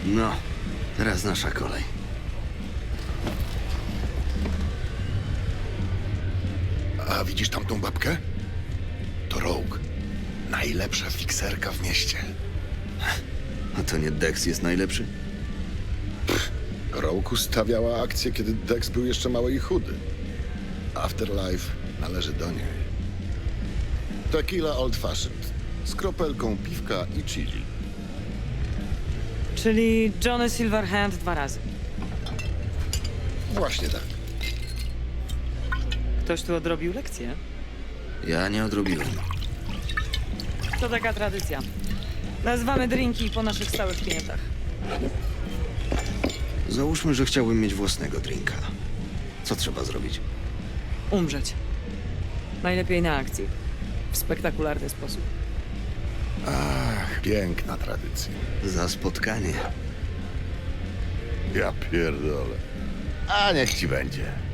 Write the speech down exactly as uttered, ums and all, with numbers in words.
No, teraz nasza kolej. A widzisz tamtą babkę? To Rogue. Najlepsza fikserka w mieście. A to nie Dex jest najlepszy? Rogue ustawiała akcję, kiedy Dex był jeszcze mały i chudy. Afterlife należy do niej. Tequila Old Fashioned. Z kropelką piwka i chili. Czyli Johnny Silverhand dwa razy. Właśnie tak. Ktoś tu odrobił lekcję? Ja nie odrobiłem. To taka tradycja. Nazywamy drinki po naszych stałych klientach. Załóżmy, że chciałbym mieć własnego drinka. Co trzeba zrobić? Umrzeć. Najlepiej na akcji. W spektakularny sposób. Ach, piękna tradycja. Za spotkanie. Ja pierdolę. A niech ci będzie.